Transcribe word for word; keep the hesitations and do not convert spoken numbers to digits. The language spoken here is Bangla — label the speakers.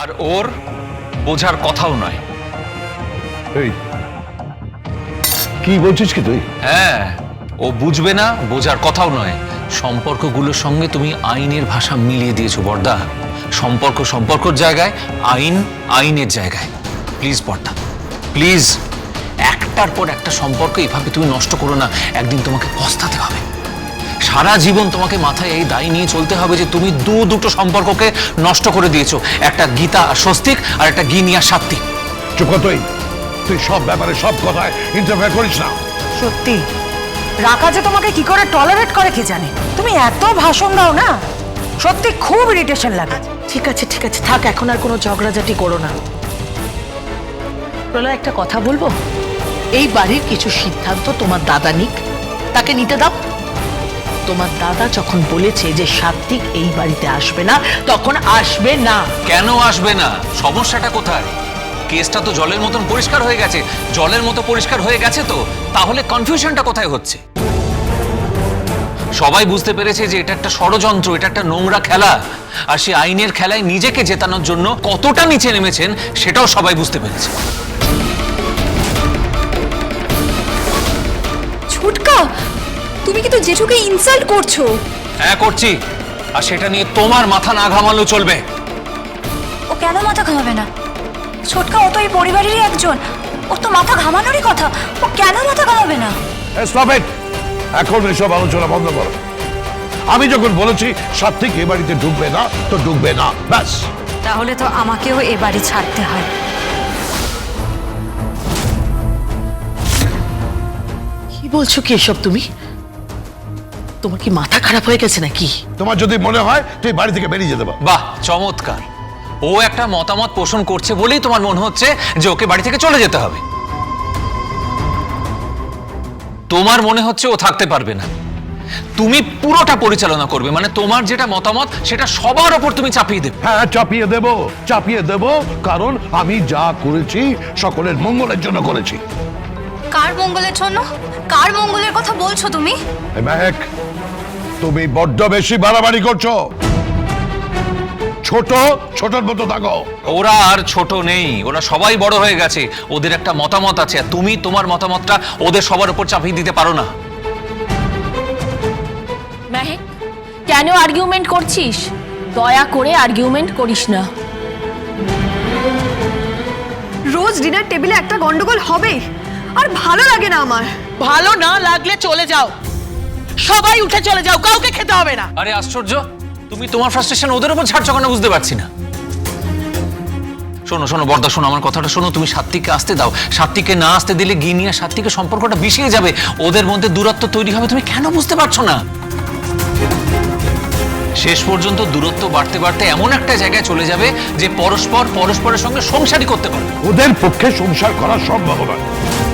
Speaker 1: আর ওর বোঝার কথাও নয়।
Speaker 2: এই কি বলছিস কি তুই?
Speaker 1: হ্যাঁ, ও বুঝবে না, বোঝার কথাও নয়। সম্পর্কগুলোর সঙ্গে তুমি আইনের ভাষা মিলিয়ে দিয়েছো বর্দা। সম্পর্ক সম্পর্কের জায়গায়, আইন আইনের জায়গায়। প্লিজ বর্দা, প্লিজ, একটার পর একটা সম্পর্ক এভাবে তুমি নষ্ট করো না। একদিন তোমাকে পস্তাতে হবে। সারা জীবন তোমাকে মাথায় এই দায় নিয়ে চলতে হবে যে তুমি দু দুটো সম্পর্ককে নষ্ট করে দিয়েছো। একটা গীতা আর স্বস্তিক, আর একটা গিনিয়া সাত্বিক।
Speaker 2: চুপ কর তুই। তুই সব ব্যাপারে সব কথায় ইন্টারফেয়ার করিস না।
Speaker 3: সত্যি রাকা যে তোমাকে কি করে টলারেট করে কে জানে। তুমি এত ভাষণ দাও না, সত্যি খুব ইরিটেশন লাগে।
Speaker 4: ঠিক আছে ঠিক আছে থাক, এখন আর কোনো ঝগড়াঝাটি করো না। প্রলয়, একটা কথা বলবো? এই বাড়ির কিছু সিদ্ধান্ত তোমার দাদা নিক, তাকে নিতে দাও। তোমার দাদা যখন বলেছে যে সাত্বিক এই বাড়িতে আসবে না, তখন আসবে না।
Speaker 1: কেন আসবে না? সমস্যাটা কোথায়? কেসটা তো জলের মতন পরিষ্কার হয়ে গেছে। জলের মতো পরিষ্কার হয়ে গেছে তো, তাহলে কনফিউশনটা কোথায় হচ্ছে? সবাই বুঝতে পেরেছে যে এটা একটা ষড়যন্ত্র, এটা একটা নোংরা খেলা। আর সে আইনের খেলায় নিজেকে জেতানোর জন্য কতটা নিচে নেমেছেন সেটাও সবাই বুঝতে পেরেছে।
Speaker 5: ছুটকা, তুমি কিন্তু জেঠুকে ইনসাল্ট করছো।
Speaker 1: হ্যাঁ করছি, আর সেটা নিয়ে তোমার মাথা না ঘামালেও চলবে।
Speaker 5: ও কেন মাথা ঘামাবে না? ছোটকা, ও তো এই পরিবারেরই একজন। ও তো মাথা ঘামানোরই কথা, ও কেন মাথা ঘামাবে না?
Speaker 2: Stop it. এখন এসব আলোচনা বন্ধ করো। আমি যখন বলেছি সাত্বিক এ বাড়িতে ঢুকবে না, তো ঢুকবে না, ব্যাস।
Speaker 5: তাহলে তো আমাকেও এ বাড়ি ছাড়তে হয়।
Speaker 4: কি বলছো কি এসব তুমি? তোমার কি মাথা খারাপ হয়ে গেছে নাকি?
Speaker 2: তোমার যদি মনে হয় তুই বাড়ি থেকে বেরিয়ে যেতে পারো।
Speaker 1: বাহ, চমৎকার। ও একটা মতামত পোষণ করছে বলেই তোমার মনে হচ্ছে যে ওকে বাড়ি থেকে চলে যেতে হবে। তোমার মনে হচ্ছে ও থাকতে পারবে না। তুমি পুরোটা পরিচালনা করবে, মানে তোমার যেটা মতামত সেটা সবার ওপর তুমি চাপিয়ে দেবে।
Speaker 2: হ্যাঁ, চাপিয়ে দেব, চাপিয়ে দেব, কারণ আমি যা করেছি সকলের মঙ্গলের জন্য করেছি।
Speaker 5: কার মঙ্গলের জন্য? কার মঙ্গলের কথা বলছো তুমি?
Speaker 2: এই মেহেক, তুমি বড্ড বেশি বাড়াবাড়ি করছো। ছোট ছোটর মতো থাকো।
Speaker 1: ওরা আর ছোট নেই, ওরা সবাই বড় হয়ে গেছে। ওদের একটা মতামত আছে, আর তুমি তোমার মতামতটা ওদের সবার উপর চাপিয়ে দিতে পারো না।
Speaker 6: মেহেক, কেন আর্গুমেন্ট করছিস? দয়া করে আর্গুমেন্ট করিস না।
Speaker 7: রোজ ডিনার টেবিলে একটা গন্ডগোল হবে, আর ভালো লাগে না আমার।
Speaker 4: ভালো না লাগলে চলে যাও, সবাই উঠে চলে যাও, কাউকে খেতে হবে না।
Speaker 1: আরে আশ্চর্য, তুমি তোমার ফ্রাস্ট্রেশন ওদের উপর ছাড়ছো কেন বুঝতে পারছি না। শোনো শোনো বর্দা, শোনো আমার কথাটা শোনো। তুমি সাত্বিককে আসতে দাও। সাত্বিককে না আসতে দিলে গিনিয়া সাত্বিকের সম্পর্কটা বিষিয়ে যাবে, ওদের মধ্যে দূরত্ব তৈরি হবে। তুমি কেন বুঝতে পারছো না? শেষ পর্যন্ত দূরত্ব বাড়তে বাড়তে এমন একটা জায়গায় চলে যাবে যে পরস্পর পরস্পরের সঙ্গে সংসারই করতে পারবে।
Speaker 2: ওদের পক্ষে সংসার করা সম্ভব নয়।